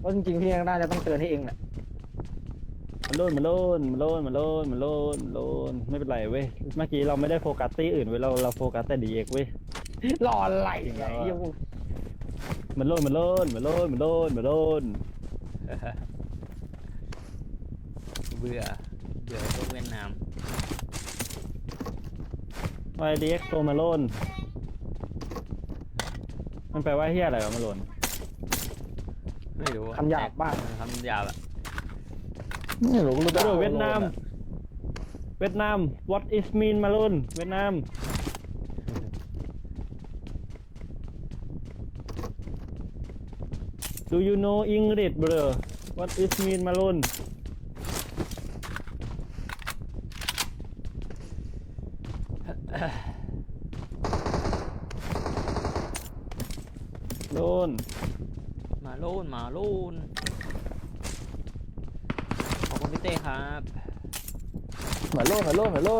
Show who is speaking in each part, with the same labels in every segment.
Speaker 1: เพราะจริงๆพี่น่าจะต้องเตือนให้เองแหละ
Speaker 2: มันโลนไม่เป็นไรเว้ยเมื่อกี้เราไม่ได้โฟกัสตี้อื่นเว้ยเราโฟกัสแต่ดีเอ็กเว้ย
Speaker 1: รออะไร
Speaker 2: จริง
Speaker 1: ไง
Speaker 2: แล้วอะ
Speaker 1: ยัง
Speaker 2: มันโลน
Speaker 3: เบื่อพวกเวียดนาม
Speaker 2: ไอดีเอ็กโตมาโลนมันแปลว่าเฮียอะไรวะมาโลน
Speaker 3: ไม่รู้
Speaker 1: คำหยาบบ้าง
Speaker 3: คำหยาบอะ
Speaker 4: ไม่รู้รู้จัก
Speaker 2: เวียดนาม what is mean มาโลนเวียดนาม Do you know English bro what is mean มาโลนโลน
Speaker 3: มาโลนขอบคุณพี่เต้ครับ
Speaker 4: เหมือนโลน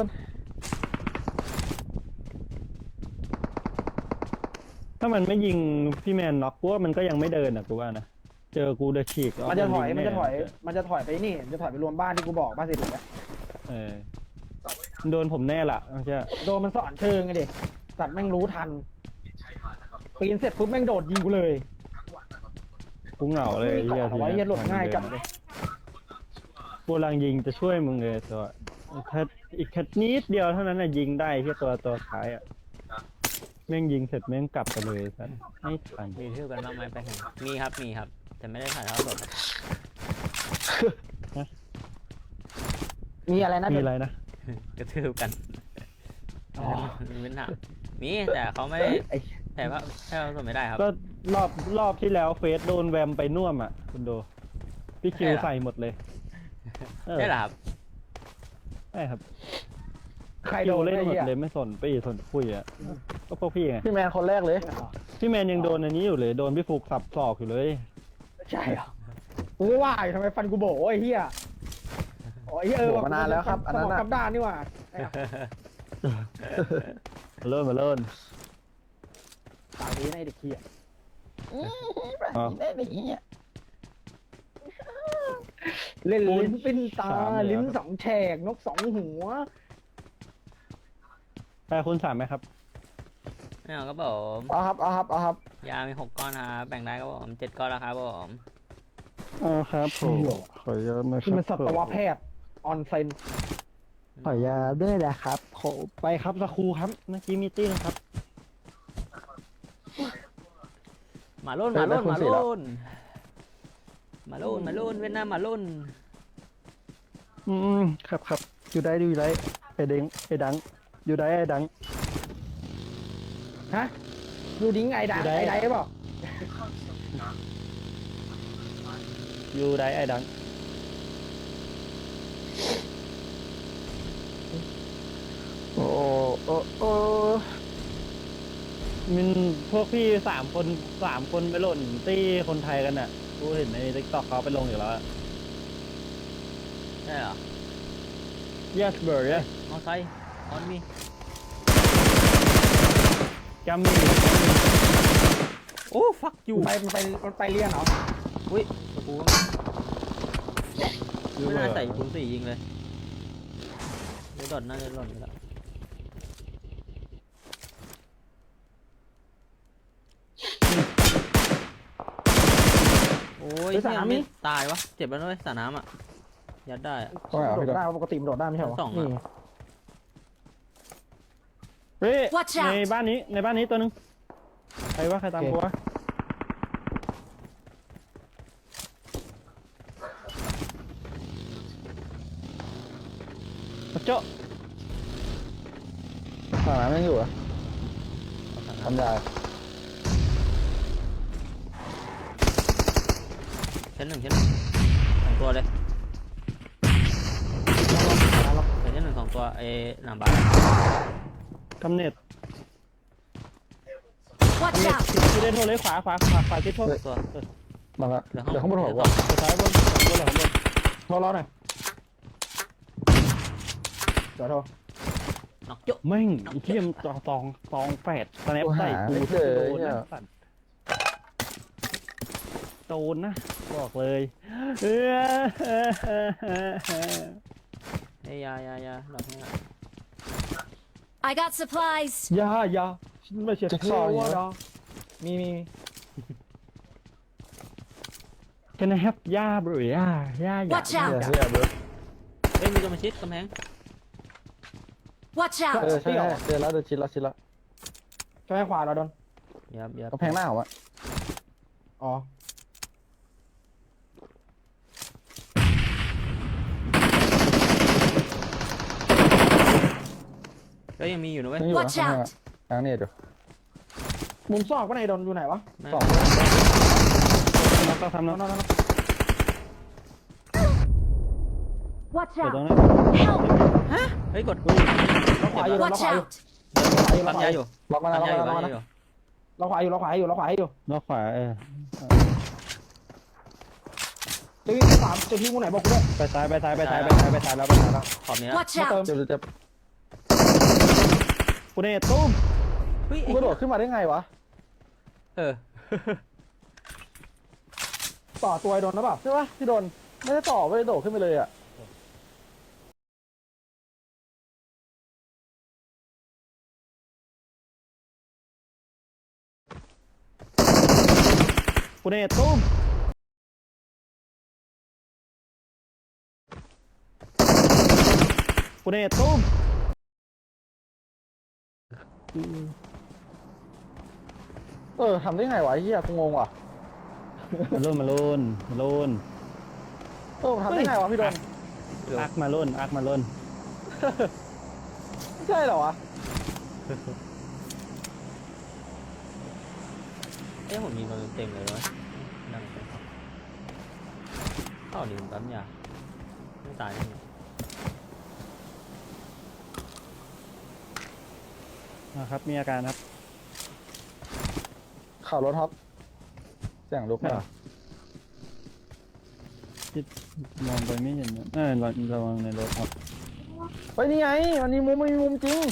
Speaker 2: ถ้ามันไม่ยิงพี่แมนน็อกกูว่ามันก็ยังไม่เดินอ่ะกูว่านะเจอกูเดอะฉีก
Speaker 1: มันจะถอย
Speaker 2: แ
Speaker 1: มันจะถอยไปนี่มันจะถอยไปรวมบ้านที่กูบอกบ้านสิถูกไหม
Speaker 2: เออโดนผมแน่ละไม่ใช่
Speaker 1: โดนมันสอนเชิงไงดิสัตว์แม่งรู้ทันปีนเสร็จปุ๊บแม่งโดดยิงกูเลย
Speaker 2: กูเหงาเลย
Speaker 1: ไม่มีเกาะเอาไว้เหี้ยหล่นง่ายจัง
Speaker 2: กูรังยิงจะช่วยมึงเลยตัวอีกแค่นิดเดียวเท่านั้นน่ะยิงได้แค่ตัวท้ายอ่ะแม่งยิงเสร็จแม่งกลับไปเลยสัสไม่ทัน
Speaker 3: มีเที่ยวกันบ้างไหมไปเห็นมีครับแต่ไม่ได้ถ่ายทอดสด
Speaker 1: มีอะไรนะ
Speaker 2: มีอะไรนะ
Speaker 3: กระทืบกัน
Speaker 1: อ๋อ
Speaker 3: มีปัญหามีแต่เขาไม่ได้
Speaker 1: ไอ้
Speaker 3: ถ่ายว่าถ่ายทอดสดไม่ได้ครับ
Speaker 2: ก็รอบที่แล้วเฟสโดนแวมไปน่วมอ่ะคุณโดพี่คิวใส่หมดเลย
Speaker 3: ใช่เหรอครับ
Speaker 2: ใช่ครับ
Speaker 1: ใคร
Speaker 2: คิ
Speaker 1: โด
Speaker 2: วน เล่น
Speaker 1: ไอ้
Speaker 2: หมด
Speaker 1: เหี้ย
Speaker 2: เลยไม่สนคุยอ่ะก็พวกพี่ไง
Speaker 4: พี่แมนคนแรกเลย
Speaker 2: พี่แมนยังโดนอันนี้อยู่เลยโดนพี่ฟุกสับศอกอยู่เลย
Speaker 1: ใช่เหรอกูก็ว่าอยู่ทำไมฟันกูโบ๋ไอ้เหี้ยอ๋อไอ้เหี้ย
Speaker 4: โบ๋มานานแล้วครับอันนั้นน่ะ
Speaker 1: สมงกับด้านนี่หว่า
Speaker 2: มาเริ่ม
Speaker 1: ตายนี้ในเด็กเหี้ย
Speaker 2: อ๋อ
Speaker 1: เล่นลิ้นปิ้นตา
Speaker 2: สามเลยเหรอ
Speaker 1: ลิ้นสองแฉกนกสองหัว
Speaker 2: แต่คุณสามไหมครับ
Speaker 3: ไม่เอาครับผม
Speaker 4: เอาครับ
Speaker 3: ยามี6 ก้อนครับแบ่งได้ครับผม7 ก้อนแล้วครับผม
Speaker 2: อ๋อครับผมขออนุญาตนะค
Speaker 1: ที่
Speaker 2: รับ
Speaker 1: มันสัตวแพทย์ออนเซน
Speaker 2: ขออนุญาตด้วยนะครับขอไปครับสักครูครับเมื่อกี้มีตี้นะครับ
Speaker 3: มาโลนเวียดนามมาโลน
Speaker 2: ครับอยู่ได้ไอ้ดังอยู่ได้ไอ้ดัง
Speaker 1: ฮะดูดิ้งไอ้ดัง
Speaker 2: ดูได้
Speaker 1: ไอ้ไดเปล่า
Speaker 2: อยู่ได้ไอ้ดัง
Speaker 4: โอ้
Speaker 2: มันพวกพี่สามคนไปหล่นตี้คนไทยกันอ่ะกูเห็นในทิกตอกเขาไปลงอยู่แล้วอะ
Speaker 3: ใช่เหรอ
Speaker 2: yes bro yes
Speaker 3: มอไซค์ออนมี
Speaker 2: กัมมี่
Speaker 3: โอ้ฟักอยู่
Speaker 1: มันไปเรียนเหรอ
Speaker 3: อุ้ยตะปูไม่น่าใส่คูณ4ยิงเลยเดี๋ยวดอดน่าจะหล่นไปแล้วโอ้ยเนี่ยไม่ตายวะเจ็บแล้วด้วยสระน้ำอ่ะยัดได้อะ
Speaker 1: โดดได้ปกติมันโดดได้ไม่ใช่เหรอ
Speaker 3: ชั้นสองอะ
Speaker 1: นี่
Speaker 2: เฮ้ย
Speaker 5: Watch out
Speaker 2: ในบ้านนี้ตัวนึงใครตามกูวะโจ๊ะ
Speaker 4: สนามยังอยู่อ่ะทำยา
Speaker 3: ชั้นหนึ่ง2 ตัวเลยเดี๋ยวชั้น1 2 ตัวหลังบ้าน
Speaker 2: กำเนิด
Speaker 5: Watch
Speaker 2: เน็ต
Speaker 5: out!
Speaker 2: ที่ได้โทรเลยขวาทิศโทร
Speaker 3: ตัว
Speaker 4: มาละ
Speaker 3: เดี๋
Speaker 4: เดี๋ยวข้างบนหัว
Speaker 3: เดี๋ยว
Speaker 4: ก่อน
Speaker 2: สุดท้ายบนหลังบน
Speaker 1: โทรรอหน่อยเดี๋ยวโทร
Speaker 3: น็อกจุ๊
Speaker 2: แม่งไอ้เทียมตองแปดสแนปใส่กู
Speaker 4: ไม่เจอ
Speaker 2: โดน
Speaker 4: เนี่ย
Speaker 2: นะสัตว์สโจรนะบอกเลย
Speaker 3: เฮ้ยยาดอกนี้อะ
Speaker 5: I got supplies.
Speaker 1: อย่าฉันไม่ใช่เทวดามี
Speaker 2: Can I have ย่าบรือย่า
Speaker 5: Watch
Speaker 4: เฮีย
Speaker 5: out!
Speaker 4: เฮียเบิร์ด
Speaker 3: เฮ้ยมีตัวมาชิดกำแพง
Speaker 5: Watch
Speaker 4: เออ
Speaker 5: out!
Speaker 4: ใช่ใช่เจอแล้วเจอชิดแล้ว
Speaker 1: ใช่ไหมขวาเราโดน
Speaker 3: ยับ
Speaker 4: กำแพงหน้าผมอะ
Speaker 1: อ๋อ
Speaker 3: ก็ยังมีอยู่นะเว้ย
Speaker 4: ยังอยู่นะ
Speaker 5: Watch
Speaker 4: กำแพง
Speaker 5: out
Speaker 4: อะกลางเนี่ยเดี๋ยว
Speaker 1: มุมซอกก็ในโดนอยู่ไหนวะ
Speaker 4: สอง
Speaker 2: เราก็ทำแล้ว
Speaker 1: นั่น
Speaker 5: Watch
Speaker 2: เดี๋ยวตรง
Speaker 5: out!
Speaker 2: นั้น
Speaker 5: Help!
Speaker 3: เฮ้ยกด
Speaker 1: เราขวาอยู่เรา
Speaker 5: Watch
Speaker 1: ขวาอยู่
Speaker 5: out!
Speaker 3: ปั๊มยาอยู่
Speaker 4: ล็อกมา
Speaker 3: ปั๊
Speaker 4: แล้ว
Speaker 3: ม
Speaker 4: ล็อก
Speaker 3: ยา
Speaker 4: มา
Speaker 3: อยู่
Speaker 4: แล้ว
Speaker 3: ปั๊
Speaker 4: ล็อก
Speaker 3: ม
Speaker 4: มาย
Speaker 3: าอยู่
Speaker 1: เราขวาอยู่
Speaker 2: นอกขวา
Speaker 1: จะวิ่งสามจะทิ้งกูไหนบอกกูด้วย
Speaker 2: ไปซ้ายแล้ว
Speaker 3: ขอบนี้
Speaker 5: Watch
Speaker 1: มาเติ
Speaker 5: out!
Speaker 1: ม
Speaker 4: เจ็บ
Speaker 2: กูเนี่ยตุ้ม
Speaker 3: เฮ้ย
Speaker 4: กูกระโดดขึ้นมาได้ไงวะ
Speaker 3: เออ
Speaker 1: ต่อตัวไอ้โดนหรือเปล่า
Speaker 4: ใช่ปะพี่โดนไม่ได้ต่อไม่ได้โดดขึ้นไปเลยอะ
Speaker 2: กูเนี่ยตุ้มกูเนี่ยตุ้ม
Speaker 4: ทำได้ไงวะไอ้เฮียกูงงว่ะ
Speaker 2: มาลุน
Speaker 4: ทำได้ไงวะพี่โดน
Speaker 2: อักมาลุน
Speaker 4: ไม่ใช่เหรอวะ
Speaker 3: เอ้ยผมยิงมันเต็มเลยวะนั่งไปเข้าดิผมปั๊มยาไม่ตายแน่
Speaker 2: นะครับมีอาการครับ
Speaker 4: ข่าวรถท็อปเสียงลุก
Speaker 2: ไม่
Speaker 4: มา
Speaker 2: หรอมองไปไม่เห็นนะระวังในรถครับ
Speaker 4: เฮ้ยนี่ไงมันมีมุมจริง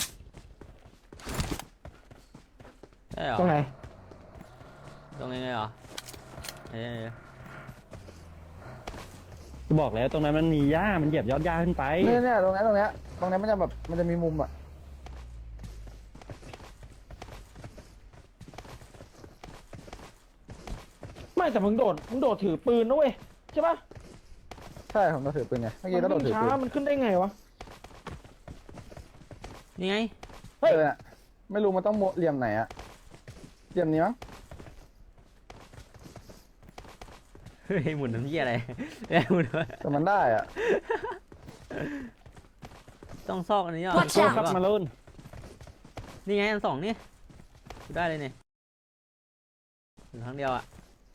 Speaker 3: ได้เหรอ
Speaker 1: ตรงไหน
Speaker 3: ตรงไงเหรอเอ้ย
Speaker 2: กูบอกแล้วตรงนั้นมันมีหญ้ามันเหยียบยอดหญ้าขึ้นไป
Speaker 4: เนี่ยตรงนี้มันจะแบบมันจะมีมุมอะ
Speaker 1: ไม่แต่มึงโดดถือปืนนะเว้ยใช่ปะ
Speaker 4: ใช่ผมก็ถือปืนไงเมื่อกี้ก็โดดถือ
Speaker 1: ช้า
Speaker 4: ปืน
Speaker 1: มันขึ้นได้ไงวะ
Speaker 3: นี่ไง
Speaker 1: เฮ้ย
Speaker 4: น่ะไม่รู้มันต้องเหลี่ยมไหนอะเหลี่ยมนี้มั้ง
Speaker 3: เฮ้ยหมุนน้ำเยี่ยอะไรเอ้ยหมุน
Speaker 4: แต่มันได้อะ
Speaker 3: ต้องซอกอันนี้อ่ะ
Speaker 5: Watch
Speaker 2: โทษ
Speaker 5: out
Speaker 2: ครับมาลุน
Speaker 3: นี่ไงอันสองนี่กูได้เลยเนี่ยถึงครั้งเดียวอ่ะ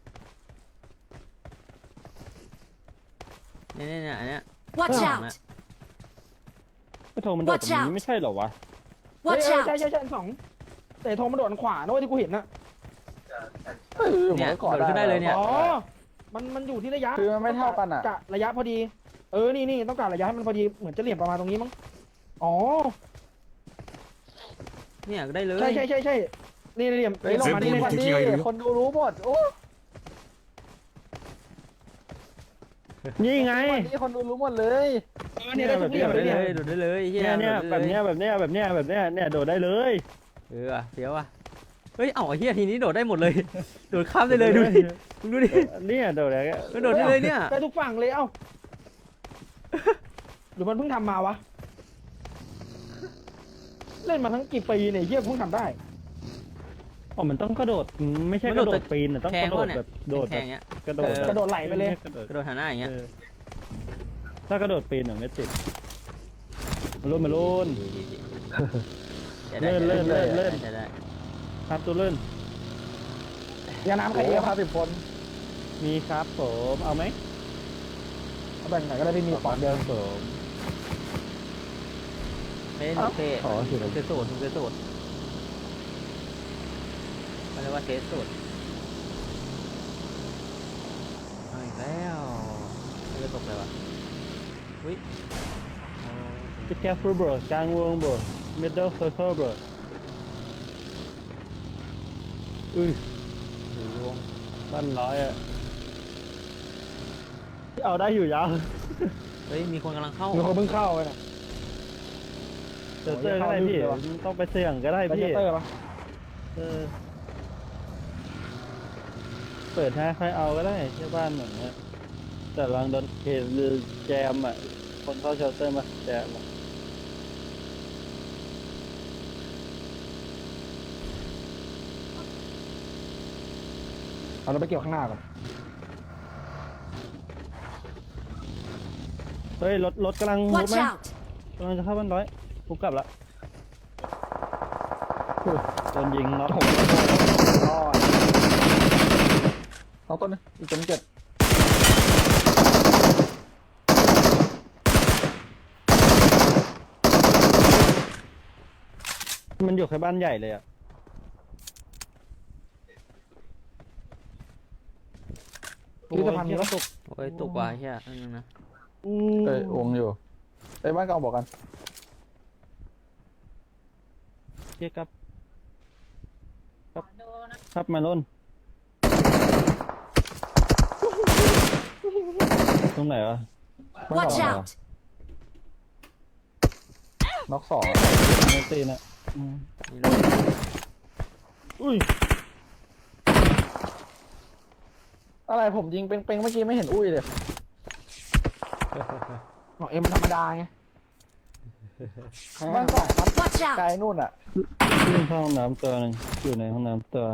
Speaker 3: เนี่ยอันเนี้ย
Speaker 5: Watch
Speaker 3: สอง
Speaker 5: out!
Speaker 3: อะ
Speaker 2: ไม่โทรมันโดดตรงนี้ไม่ใช่เหรอวะ
Speaker 1: เฮ้ย
Speaker 5: Watch
Speaker 1: ใช่
Speaker 5: out!
Speaker 1: ใช่อันสองแต่โทรมันโดดอันขวานะเว้ยที่กูเห็นนะ
Speaker 4: ผม
Speaker 3: เนี่ย
Speaker 4: ก็กอด
Speaker 3: โดดขึ้นได้เลยเนี่ย
Speaker 1: อ๋อมันอยู่ที่ระยะ
Speaker 4: คือมันไม่เท่ากันอะ
Speaker 1: กะระยะพอดีนี่ต้องการระยะให้มันพอดีเหมือนจะเหลี่ยมประมาณตรงนี้มั้งอ๋อ
Speaker 3: เนี่ยได้เลย
Speaker 1: ใช่นี่เหลี่ยม
Speaker 4: เฮ้ยลงมาดิ
Speaker 1: นี่
Speaker 4: ลงมาดิคนดูรู้หมดโอ้
Speaker 2: นี่ไง
Speaker 4: นี่คนดูรู้หมดเลย
Speaker 1: เนี่ยได้ทุกเหลี่ยมเลย
Speaker 3: ได้
Speaker 1: เนี่ย
Speaker 3: เลยโดดได้เลยเฮีย
Speaker 2: เนี่ย
Speaker 3: โดดได้
Speaker 2: แบบ
Speaker 3: เลย
Speaker 2: เนี้ยเนี่ยโดดได้เลย
Speaker 3: เออเดี๋ยวอ่ะเฮ้ยเอ้าไอ้เฮียทีนี้โดดได้หมดเลยโดดข้ามได้เลยดูดิมึงดูดิ
Speaker 2: เนี่ยโดดได้
Speaker 3: มันโดดได้เลยเนี่ย
Speaker 1: ได้ทุกฝั่งเลยเอ้าหรือมันเพิ่งทำมาวะเล่นมาทั้งกี่ปีเนี่ยเฮียเพิ่งทำได้
Speaker 2: อ๋อมันต้องกระโดดไม่ใช่กระโดดปีนต้องกระโดดแบบโดด
Speaker 3: แข่
Speaker 2: แบบ
Speaker 3: งเงี้ย
Speaker 2: กระโดด
Speaker 1: กระโดดไหลไปเลย
Speaker 3: กระโดดหาหน้าอย่างเงี้ย
Speaker 2: ถ้ากระโดดปีนไม่ติดมาลุน
Speaker 3: เลื่อน
Speaker 2: ครับตัวเลื่อน
Speaker 1: ยาน้ำใคร
Speaker 4: โอ้
Speaker 1: เยอะครับ
Speaker 4: 50 คน
Speaker 2: มีครับผมเอาไหม
Speaker 1: เอาแบ่งไหนก็ได้ไม่มีปอกเดียว
Speaker 2: ผม
Speaker 3: ไม่ได้เทส
Speaker 2: ขอสิ
Speaker 3: ถูกเทสสูตรถูกเทสสูตรมันเรียกว่าเทสสูตรเอาอีกแล้วไม่ได้ตกเลยวะอุ้ย
Speaker 2: จะแค่ฟูเบอร์กลางวงเบอร์ middle circle เบอร์
Speaker 3: หรือวง
Speaker 2: บ้านร้อยอ่ะ
Speaker 3: เฮ้ย
Speaker 2: เฮ้ย
Speaker 3: เฮ้ย
Speaker 2: เฮ้ย
Speaker 3: เฮ้ย
Speaker 2: เฮ้ย
Speaker 3: เฮ้ย
Speaker 2: เฮ้ยเอาได้อยู่ยาว
Speaker 3: เฮ้ยมีคนกำลังเข้า
Speaker 1: มีคนเพิ่งเข้าไปน่ะ
Speaker 2: เจอเตอร์ก็ได้พี่ต้องไปเสี่ยงก็ได้
Speaker 1: ไปเจ
Speaker 2: พี่
Speaker 1: เตอร์ปะ
Speaker 2: เออเปิดให้ใครเอาก็ได้ที่บ้านเหมือนเนี้ยแต่ลองโดนเคหรือแจมอ่ะคนเข้าเชลเตอร์มาแจมอะ
Speaker 1: เอาเราไปเกี่ยวข้างหน้าก่อน
Speaker 2: เฮ้ยรถกำลังมุด
Speaker 5: Watch
Speaker 2: ไหม
Speaker 5: out!
Speaker 2: กำลังจะเข้าบ้านร้อยกูกลับละอุ้ยโดนยิงน็อก
Speaker 1: รอด
Speaker 4: น้องต้นนึงอีกตัวนึงเจ็ด
Speaker 2: มันอยู่แค่บ้านใหญ่เลยอ่ะ
Speaker 1: พิพิธภัณฑ์มีแล้ว
Speaker 2: ตก
Speaker 3: โอ้ยตกว่ะเฮียอันนึงนะ
Speaker 4: เอ้ยวงอยู่ไอ้ยบ้านเก่าบอกกัน
Speaker 2: เกียครับครับมาล้นตรงไหนวะ
Speaker 4: บ้าน
Speaker 5: Watch
Speaker 4: เก่า
Speaker 5: out!
Speaker 4: น็อกสอง
Speaker 2: ไม่ตีนะอืม
Speaker 3: นี่เลย
Speaker 2: อุ้ย
Speaker 4: อะไรผมยิงเป้งๆเมื่อกี้ไม่เห็นอุ้ยเลย
Speaker 1: ของเอ็มมันธรรมดาไง
Speaker 4: บ้านสองครับ
Speaker 5: Watch
Speaker 4: ไกล
Speaker 5: out!
Speaker 4: นู่นอ่ะ
Speaker 2: ขึ้นเข้าห้องน้ำตัวหนึงอยู่ในห้องน้ำตัว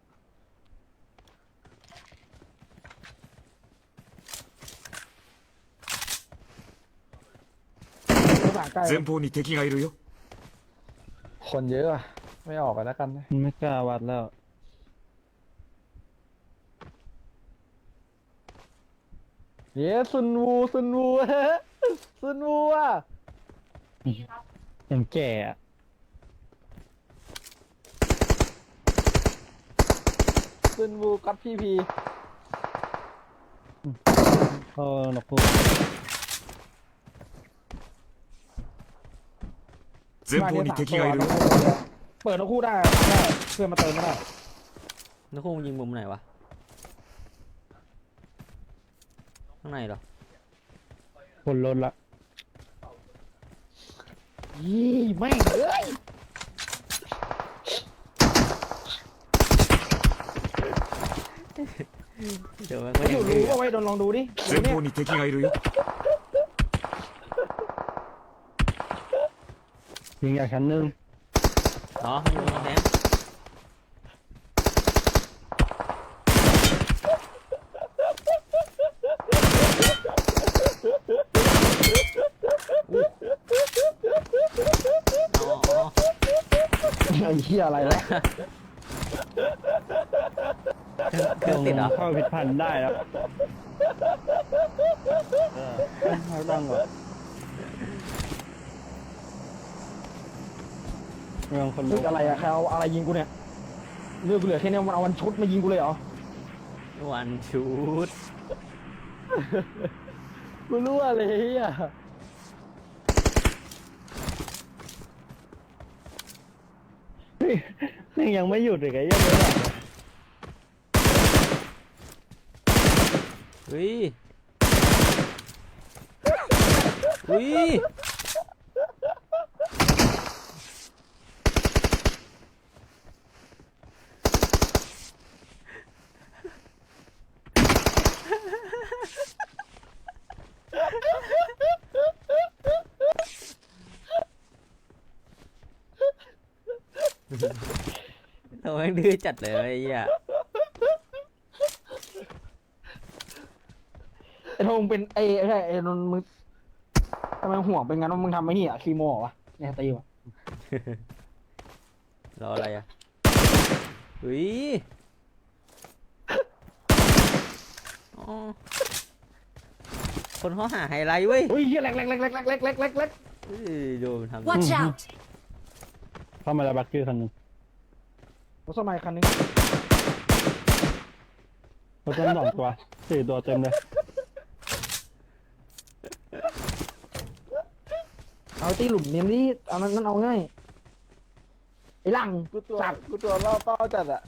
Speaker 1: ภาษาใกล้
Speaker 6: 前方に敵がいるよ。
Speaker 4: คนเยอะอะไม่ออกกันแล้วกันนะ
Speaker 2: ไม่กล้าวัดแล้ว
Speaker 4: เย้ซุนวูซุนวู ซุนวูอ่ะ
Speaker 2: ยังแก่อะ
Speaker 4: ซุนวูกัดพีพี
Speaker 2: เข้าหนกพู
Speaker 6: 前方に敵がいるよ。
Speaker 1: เปิดทั้งคู่ได้เพื่อนมาเติมก็ได้
Speaker 3: นักคงยิงมุมไหนวะข้างในเหรอ
Speaker 2: คนล้นละ
Speaker 1: ยี่แม่งเอ้ย
Speaker 3: เดี๋ยวมัน
Speaker 1: ไม่
Speaker 3: ก็
Speaker 1: อ
Speaker 3: ยั
Speaker 1: ยู่
Speaker 3: ง
Speaker 1: รู้
Speaker 3: ดื้อ
Speaker 1: ว่าไว้โดนลองดูดิ
Speaker 6: 前方に敵がいるよ。
Speaker 2: ยิงจากชั้นหนึ่ง
Speaker 3: เนาะมันอยู่ตรงแทง อ๋อ
Speaker 1: ไอ้เหี้ยอะไรวะ
Speaker 3: เครื่องติดเหรอ
Speaker 2: เข้าผิดพันธุ์ได้แล้วเอาดังก่อนเมืองคน
Speaker 1: นึกอะไรอะใครเอาอะไรยิงกูเนี่ยเลือกกูเหลือแค่เนี้ยมันเอาวันชุดมายิงกูเลยเหรอ
Speaker 3: วันชูด
Speaker 4: กูรู้อะไรอ่ะ
Speaker 2: นี่ยังไม่หยุดอีกไอ้เหี้ยังเลย
Speaker 3: เฮ้ยเฮ้ย เราแม่งดื้อจัดเลยไอ้เหี้ย
Speaker 1: ไอ้โทงเป็นไอ้ใช่ไอ้นนท์มึงทำไมห่วงเป็นงั้นว่ามึงทำไม่เหี้ยคีโมเหรอวะเนี่ยตีวะ
Speaker 3: รออะไรอ่ะเฮ้ยอ๋อคนเขาหาไฮไลท์เว้ย
Speaker 1: อุ้ยเหี้ยแหลกแหลกแหลกแหลกแหลกแหลกแหลกแหลกแหลก
Speaker 3: เฮ้ยดูมันทำ
Speaker 5: Watch out!
Speaker 2: เข้ามาแล้วบักกี้คันหนึง
Speaker 1: รถสมัยคันนึง
Speaker 2: รถเต็ม2 ตัว 4 ตัวเต็มเลย
Speaker 1: เอาตีหลุมเนียมนี่เอานั่นเอาง่ายไอ้หลัง
Speaker 4: กูตัว
Speaker 1: สัตว์
Speaker 4: กูตัวล่อเป้าจัดอ่ะ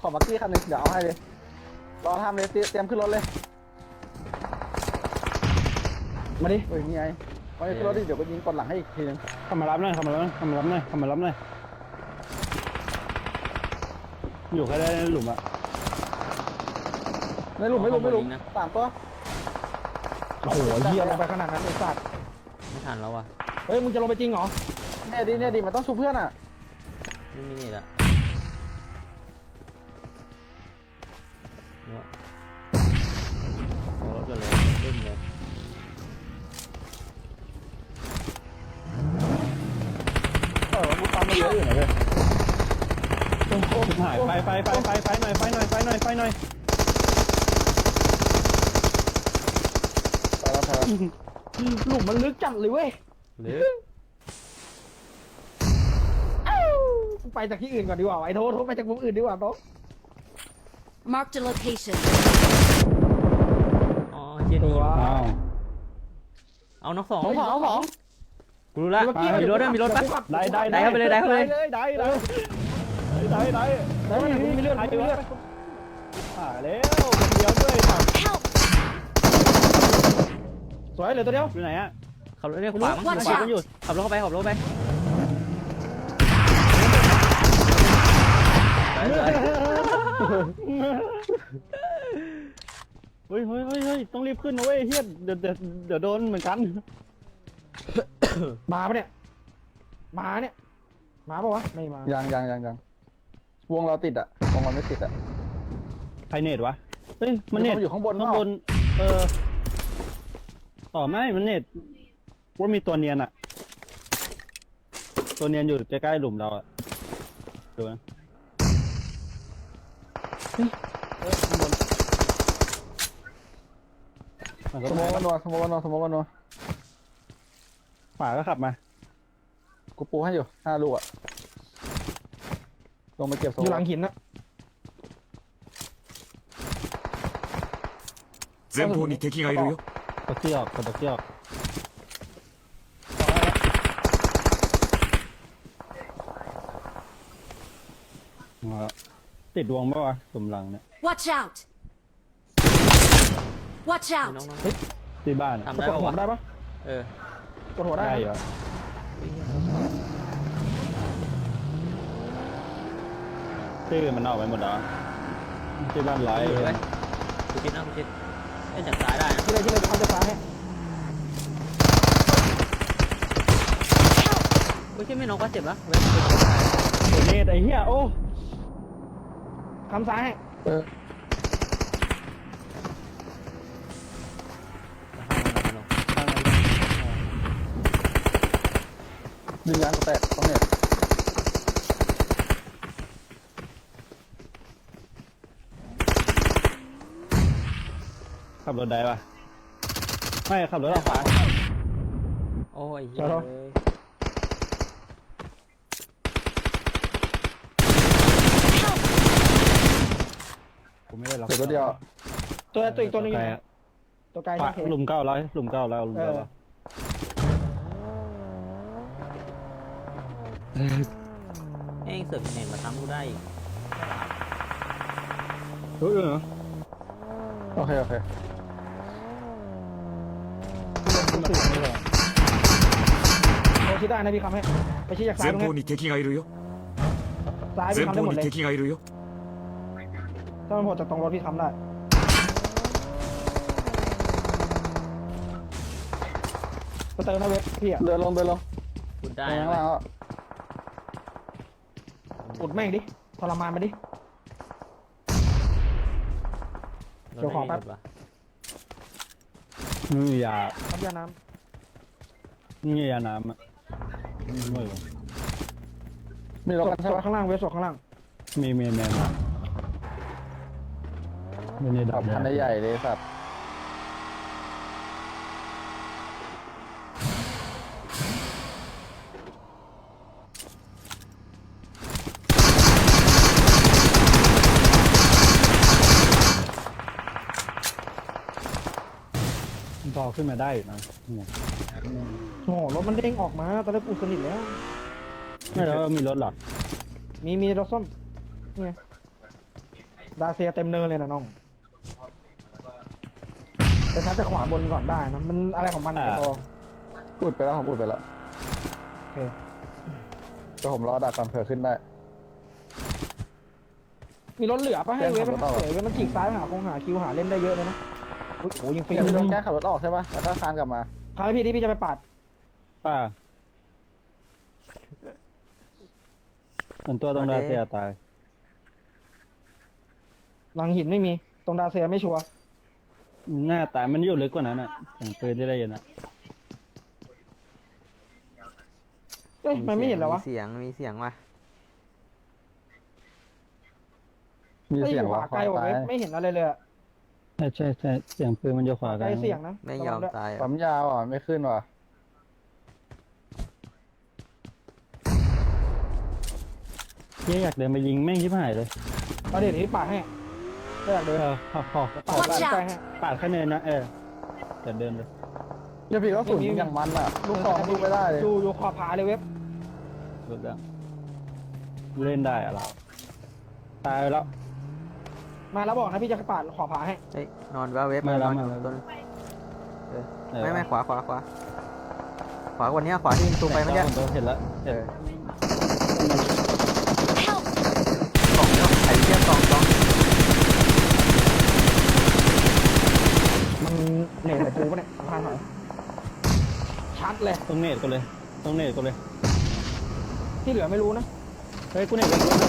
Speaker 4: ขอบักกี้คันหนึงเดี๋ยวเอาให้เลยรอทำเลยเตรียมขึ้นรถเลย
Speaker 1: มาดิ
Speaker 4: เฮ้ยนี่ไงมาขึ้นรถดิเดี๋ยวก็ยิงกดหลังให้อีกทีนึง
Speaker 2: เข้ามารับหน่อยเข้ามารับหน่อยเข้ามารับหน่อยเข้ามารับหน่อยอยู่แค่ได้ในหลุมอะ
Speaker 4: ไม่หลุมสามตัว
Speaker 1: โอ้โหเหี้ยลงไปขนาดนั้นไอ้สัตว์
Speaker 3: ไม่ทันแล้วว่ะ
Speaker 1: เฮ้ยมึงจะลงไปจริงเหรอ
Speaker 4: เนี่ยดิมันต้องชูเพื่อนอ่ะ
Speaker 3: ไม่มีนี่ละเนี่ยเอารถกันเลยขึ้นเลย
Speaker 4: กูตามมาเยอะอยู่นะเว้ย
Speaker 2: หายไปหน่อยไฟหน่อย
Speaker 4: ไปแล้วไปแล้ว
Speaker 1: หลุมมันลึกจัดเลยเว้ย
Speaker 3: หรือ
Speaker 1: ไปจากที่อื่นก่อนดีกว่าไอ้โทษไปจากมุมอื่นดีกว่าโต๊ะ
Speaker 5: Marked a location.
Speaker 3: อ๋อเจนี่
Speaker 2: อ้าว
Speaker 3: เอาน้องสอง
Speaker 4: เอาของ
Speaker 3: กูรู้ละมีรถด้วยมีรถปะ
Speaker 2: ได้เข้าไปเลยได้เข้าไปเลยได้มีเรื่องอะไรวะแล้วคนเดียวด้วย
Speaker 5: Help!
Speaker 1: สวยเหลือตัวเดียว
Speaker 2: อยู่ไหนอะ
Speaker 3: ขับรถเนี่ยขวามั้ง
Speaker 5: Watch
Speaker 3: ขวา
Speaker 5: out
Speaker 3: มันอยู่ขับรถเข้าไปขับรถไปไปเลย
Speaker 2: เฮ้ยต้องรีบขึ้นนะเว้ยเฮียเดี๋ยวโดนเหมือนกัน
Speaker 1: มาปะเนี่ยมาเนี่ยมาปะวะไม่มา
Speaker 4: ยังวงเราติดอ่ะวงเราไม่ติดอ่ะ
Speaker 2: ใครเน็ตวะเฮ้ยมันเน็ต
Speaker 4: อยู่ข้างบน
Speaker 2: ข้างบนต่อไม่มันเน็ตว่ามีตัวเนียนอะตัวเนียนอยู่ใกล้ๆหลุมเราอะดูนะข้างบนมันก็
Speaker 4: สมองกันนัวสมองกันนัว
Speaker 2: ขวาก็ขับมา
Speaker 4: กูปูให้อยู่5 ลูกอ่ะลงมาเก็บสม
Speaker 1: อ
Speaker 4: อยู่
Speaker 1: หลังหินนะ
Speaker 6: 前方に敵がいるよ。
Speaker 2: ตะเกียบตะเกียบติดดวงปะวะสมหลังเนี่ย
Speaker 5: Watch out! Watch
Speaker 3: น้อง
Speaker 5: out!
Speaker 2: ที่บ้าน
Speaker 3: ทำ
Speaker 1: ก
Speaker 3: ได้
Speaker 1: ด
Speaker 3: ปะ
Speaker 1: หัว
Speaker 3: วะ
Speaker 1: ได้ปะ
Speaker 3: เออก
Speaker 1: ดหัวได้
Speaker 2: ได้เหรอชื่อมันออกไปหมดแล้วที่บ้านร้อย
Speaker 3: อยู่เลยกูคิดนะกูคิดเล่นจากซ้ายได้นะ
Speaker 1: ที่เลยเขาจะฟ้าให้
Speaker 3: ไม่ใช่ไม่น้องก็เจ็บแล้วเว้ย
Speaker 2: โดเนตไอ้เหี้ยโอ้
Speaker 1: คำซ้ายให้
Speaker 4: ดึงยางกูแตกต้องเนี่ย
Speaker 2: ขับรถได้ปะไม่ขับรถออกขวา
Speaker 3: โอ้ยเหี้ยเลย
Speaker 2: กูไม่ได้ล็อก
Speaker 4: เดี๋ยวตัวเดียว
Speaker 1: ตัวอีกตัวนึงอยู่
Speaker 2: ไกล
Speaker 1: ไหน
Speaker 2: อะ
Speaker 1: ตัวไกล
Speaker 2: ขวา
Speaker 1: ที่เข
Speaker 2: หลุมเก้าร้อยหลุมเก้าร้อยหลุมเก้าร้อย
Speaker 3: เองเสือกเน่งมาซ้ำกูได้อีก
Speaker 2: เฮ้ยเหรอ
Speaker 4: โอเค
Speaker 1: โอ้คิดได้นะพี่คำให้ไปชี้จากซ้าย
Speaker 6: 前
Speaker 1: ตรงนี้
Speaker 6: 方に敵がいるよ。
Speaker 1: ซ้ายพี่
Speaker 6: 前
Speaker 1: คำได้ห
Speaker 6: 方
Speaker 1: มด
Speaker 6: に
Speaker 1: เลย
Speaker 6: 敵がいるよ。
Speaker 1: ถ้ามันโผล่จากตรงรถพี่คำได้ไปเติมนะเว็บพี่อะ
Speaker 4: เดินลง
Speaker 3: พูดได้
Speaker 4: ไป
Speaker 3: นะ
Speaker 4: ข้าง
Speaker 3: เว้
Speaker 4: ล่าย งอ่ะ
Speaker 1: อุดแม่งดิทรมานมาดิ
Speaker 3: รถ
Speaker 1: เดี๋ยวขอ
Speaker 3: ไม่
Speaker 1: แป๊
Speaker 3: มี
Speaker 1: บ
Speaker 3: รถว่ะ
Speaker 2: ไม่มียา
Speaker 1: ทำยาน้
Speaker 2: ไม่มียาน้ำอ่ะไม่รู้
Speaker 4: มี
Speaker 1: ำ
Speaker 4: รถ
Speaker 1: ศ
Speaker 4: กันใช่
Speaker 1: พ
Speaker 4: ปะ
Speaker 1: ข้างล่างเว็บศพข้างล่าง
Speaker 2: มีไม่ได้ดั
Speaker 4: ขั
Speaker 2: บบ
Speaker 4: คันใหญ่เลยสัตว์
Speaker 2: พอขึ้นมาได้อยู่นะเนี่ย
Speaker 1: โอ้โหรถมันเด้งออกมาตอนแรกกูสนิทแล้ว
Speaker 2: ไม่แล้วมีรถหรอ
Speaker 1: มีรถส้มนี่ไงดาเซียเต็มเนินเลยนะน้องแต่ถ้าจะขวาบนก่อนได้นะมันอะไรของมันอะตัว
Speaker 4: อุดไปแล้วผมอุดไปแล้ว
Speaker 1: โอเค
Speaker 4: แต่ผมรอดักก่อนเผื่อขึ้นได้
Speaker 1: มีรถเหลือปะให้เว็บ
Speaker 4: แจ้งขับรถออก
Speaker 1: เว้ยมันฉีกซ้ายหาคงหาคิวหาเล่นได้เยอะเลยนะอุ๊ยโอ้ยิงฟรี
Speaker 4: พี่
Speaker 1: เล
Speaker 4: โด
Speaker 1: ย
Speaker 4: นแก้ขับรถออกใช่ปะแล้วก็คานกลับมา
Speaker 1: คราวนี้พี่ที่พี่จะไปปาด
Speaker 2: ป่าเหมือนตัวตรงดาเซียตาย
Speaker 1: หลังหินไม่มีตรงดาเซียไม่ชัวร์
Speaker 2: หน้าตายมันอยู่ลึกกว่านั้นอ่ะเสียงปืนที่ได้ยินอ่ะ
Speaker 1: เอ้ยมันไม่เห็นแล้ววะ
Speaker 3: มีเสียงว่ะ
Speaker 4: มี
Speaker 1: เอ้ย
Speaker 4: เสียง
Speaker 1: ขวา
Speaker 4: ว่า
Speaker 1: ไกลกว่า
Speaker 4: ตาย
Speaker 1: เว็บไม่เห็นอะไรเลยอะ
Speaker 2: ใช่เสียงปืนมันอยู่ขวา
Speaker 1: ไก
Speaker 2: กั
Speaker 1: ล
Speaker 2: น
Speaker 1: เสียงนะ
Speaker 3: ไม่ยอม
Speaker 1: ระวังด้วย
Speaker 3: ตายอ่ะ
Speaker 4: ปั๊มยาวอ่ะไม่ขึ้นว่ะ
Speaker 2: เหี้ยอยากเดินไปยิงแม่งชิบหายเลย
Speaker 1: เอาเดี๋ยวพี่ปาดให้ไม่อยากเดิน
Speaker 2: ขอ
Speaker 1: ปาด
Speaker 5: Watch
Speaker 1: ใกล้
Speaker 5: out
Speaker 1: ให้
Speaker 2: ปาดแค่เนินนะเดี๋ยวเดินเลย
Speaker 4: เดี๋ยวพี่ก็สุนอย่างมันอ่ะลูกซองลูกไม่ได้เลย
Speaker 1: อยู่ขอบผาเลยเว็บ
Speaker 2: รถแล้วเล่นได้อะเราตายไปแล้ว
Speaker 1: มาแล้วบอกนะพี่จะปาดขอบผาให้
Speaker 3: เฮ้ยนอนว่าเว็บ
Speaker 2: มาแล้ว
Speaker 3: นอน
Speaker 2: มาแล้ว
Speaker 3: ตัวนึง
Speaker 2: เออ
Speaker 3: ไม่ขวาวันเนี้ยขวาที่ยิงตูไปเมื่อกี้
Speaker 2: เห็นแล้ว
Speaker 3: เออ
Speaker 5: Help!
Speaker 3: กล่องเนาะไอ้เทียบกล่อง
Speaker 1: มันเหนื่อยแต่กูปะเนี่ยสำคัญหน่อยชัดเลย
Speaker 2: ตรงเนตกูเลย
Speaker 1: ที่เหลือไม่รู้นะ
Speaker 2: เฮ้ยกูเนตกู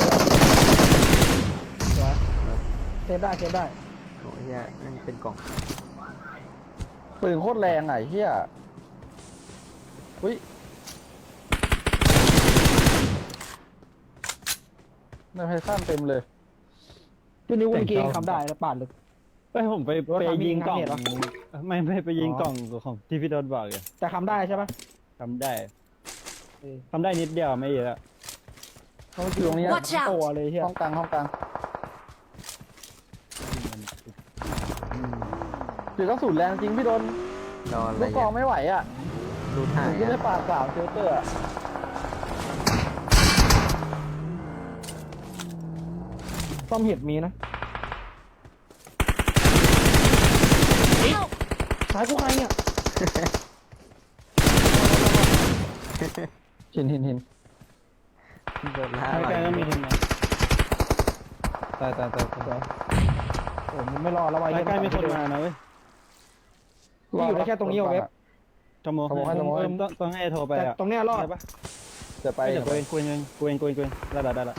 Speaker 1: สวยเซฟได้
Speaker 3: โอ้ยเหี้ยนั่นเป็นกล่อง
Speaker 4: ปืนโคตรแรงอ่ะไอ้เฮียอุ้ยในไพซันเต็มเลย
Speaker 1: พี่นิ้วเมื่อกี้ทำได้แล้วปาดเลย
Speaker 2: เฮ้ยผมไปยิงกล่อง
Speaker 1: รถทำมีงานเหรอ
Speaker 2: ไม่ไปยิงกล่องของที่พี่โดนบอกอยู่
Speaker 1: แต่ทำได้ใช่ปะ
Speaker 2: ทำได้นิดเดียวไม่เยอะ
Speaker 1: เขาอยู่ตรงนี้
Speaker 5: Watch out
Speaker 1: ตัวเลยเฮีย
Speaker 4: ห้องกลางถือก็สุดแรงจริงพี่โดน
Speaker 3: รออะไร
Speaker 4: ลูกกรองไม่ไหวอ่ะ
Speaker 3: รูดหาย
Speaker 4: ไม่ได้
Speaker 3: อ่ะ
Speaker 4: ปาดสามเซลเตอร์อะ
Speaker 1: ซ่อมเห็ดมีนะ
Speaker 5: Help!
Speaker 1: สายกูใครเนี่ย
Speaker 4: หิน
Speaker 3: โดนล่า
Speaker 2: ใกล้ๆก็มีทีมงานตาย
Speaker 1: โอ้มึงไม่รอแล้ววะ
Speaker 2: ใกล้ๆมีคนมานะเว้ย
Speaker 1: พี่อยู่ได้แค่ตรงนี้เอาเว็บ
Speaker 2: จมูกต้องให้โทรไป
Speaker 1: แต่
Speaker 2: อ่ะ
Speaker 1: ตรงเนี้ยรอด
Speaker 2: ได้ปะ
Speaker 4: จะไป
Speaker 2: เดี๋ยวกูเองได้ละ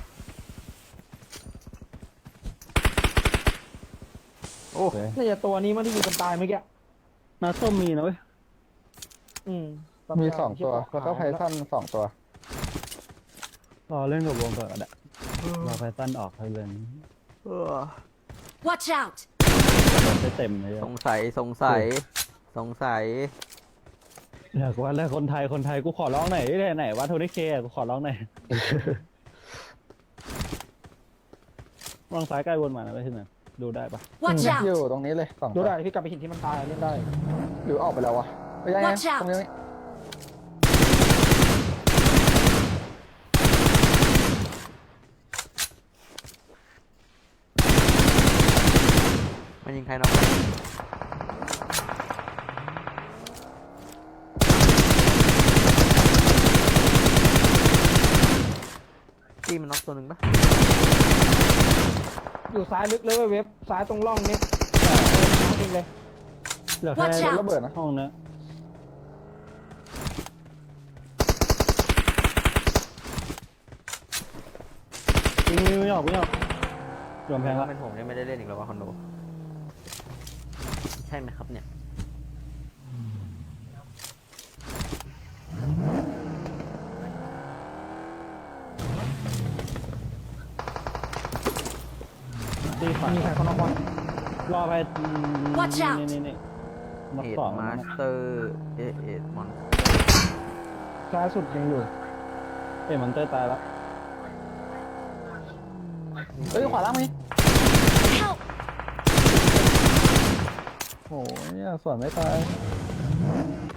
Speaker 3: โอ้
Speaker 1: น่าจะตัวนี้มันที่ยิงกันตายเมื่อกี้
Speaker 2: นาส้มมีนะเว้ย
Speaker 1: อืม
Speaker 4: มี2 ตัวแล้วก็ไพซัน2 ตัว
Speaker 2: รอเล่นกับวงก่อนก็ได้รอไพตันออกให้เล่น
Speaker 5: Watch out!
Speaker 2: ได้เต็มเลย
Speaker 3: สงสัย
Speaker 2: อยากว่าแล้วคนไทยกูขอร้องหน่อยไหนว่าโทนี่เคกูขอร้องหน่อยวางซ้ายใกล้วนมานะไปที่ไหนดูได้ปะ
Speaker 5: Watch
Speaker 4: อยู่
Speaker 5: out!
Speaker 4: ตรงนี้เลย2
Speaker 1: ดู
Speaker 4: ตัว
Speaker 1: ได้พี่กลับไปหินที่มันตายเล่นได้
Speaker 4: หรือออกไปแล้ววะไม่ใช่
Speaker 5: Watch out
Speaker 4: ตรงนี้
Speaker 3: มันยิงใครน็อกตีมันน็อกตัวหนึ่งปะ
Speaker 1: อยู่ซ้ายลึกเลยเว้ยเว็บซ้ายตรงร่องนี้จริงเลย
Speaker 2: เหลือแค่
Speaker 5: Watch out
Speaker 4: ระเบิดนะ
Speaker 2: ห้องนะไม่ออกรวมแพง
Speaker 3: ถ้า
Speaker 2: ละ
Speaker 3: เป็นผมเนี่ยไม่ได้เล่นอีกแล้วว่าคอนโดใช่ไหมครับเนี่ย
Speaker 2: ตีขวา
Speaker 1: มีใครเขานอกบอล
Speaker 2: รอไป
Speaker 5: Watch out
Speaker 2: นี่มา
Speaker 3: เอ็ด
Speaker 2: สอง
Speaker 3: มาสเตอร์เอ็ดมอน
Speaker 1: ซ้ายสุดยังอยู่
Speaker 2: มันเตอร์ตายแล้ว
Speaker 4: เอ้ยขวาล่างมี
Speaker 5: Help!
Speaker 4: โอ้ยเนี่ยส่วนไม่ตาย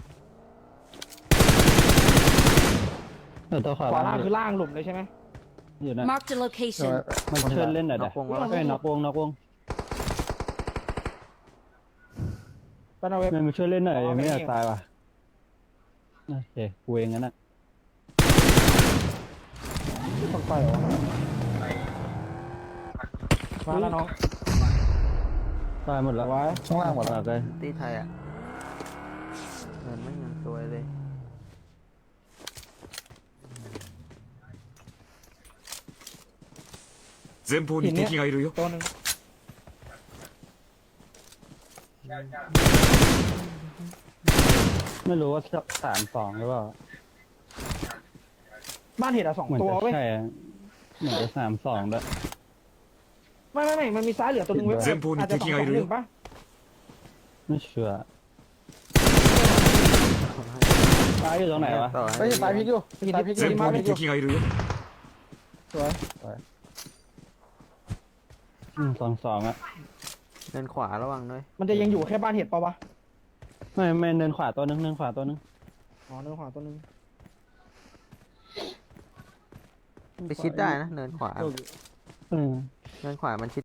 Speaker 2: ตัวขวา
Speaker 1: ขวาล่างคือล่างหลุมเลยใช่ไหม
Speaker 2: อยู่นะ
Speaker 5: Marked a
Speaker 4: เดี๋ยว
Speaker 5: location.
Speaker 2: มันช่วยเล่นหน่อย
Speaker 3: น็
Speaker 2: เด้
Speaker 3: อกวงแล้ว
Speaker 2: เอ้ยน็อกวง
Speaker 1: ไปเอาเว็บ
Speaker 2: แม่งมาช่วยเล่นหน่อย
Speaker 1: อ๋อ
Speaker 2: ยังไม่อยาก
Speaker 1: ไม่
Speaker 2: ตายว่ะโอเคกูเองงั้นน่ะ
Speaker 1: ต้องไปเหรอมาแล้วน้อง
Speaker 2: ตายหมดแล้ว
Speaker 1: ไว้
Speaker 4: ข้างล่างหมด
Speaker 2: ตา
Speaker 4: แล้ว
Speaker 2: ยเลย
Speaker 3: ตีไทยอ่ะเงินไม่ยังสวยเลย
Speaker 6: 前方に敵がいるよ
Speaker 1: ตัวหนึ่ง
Speaker 2: ไม่รู้ว่า32หรือเปล่า
Speaker 1: บ้านเห็ดอะสอง
Speaker 2: เหมือน
Speaker 1: ตัว
Speaker 2: จะ
Speaker 1: เว้ย
Speaker 2: ใช่อะเหมือนจะ32ด้วย
Speaker 1: ไม่มันมีซ้ายเหลือตัวหนึ่งเว้ย
Speaker 6: 前方に
Speaker 1: อาจจะ
Speaker 6: 敵
Speaker 1: 2-2-1
Speaker 6: がいるよ
Speaker 1: ป่ะ
Speaker 2: ไม่เชื่อตายอยู่ตรงไหนวะ
Speaker 3: ต่อ
Speaker 4: เฮ้ยตายพลิกอยู่ตายพลิกอยู่
Speaker 6: 前方に敵がいるよ
Speaker 1: สวย
Speaker 2: 22อ่ะ
Speaker 3: เดินขวาระวังด้วย
Speaker 1: มันจะยังอยู่แค่บ้านเห็ดเปล่าวะ
Speaker 2: ไม่เดินขวาตัวนึงเดินขวาตัวนึง
Speaker 1: อ๋อเนื้อขวาตัวหนึ่ง
Speaker 3: ไปชิดได้นะเนินขวา
Speaker 2: อืม
Speaker 3: เนินขวามันชิด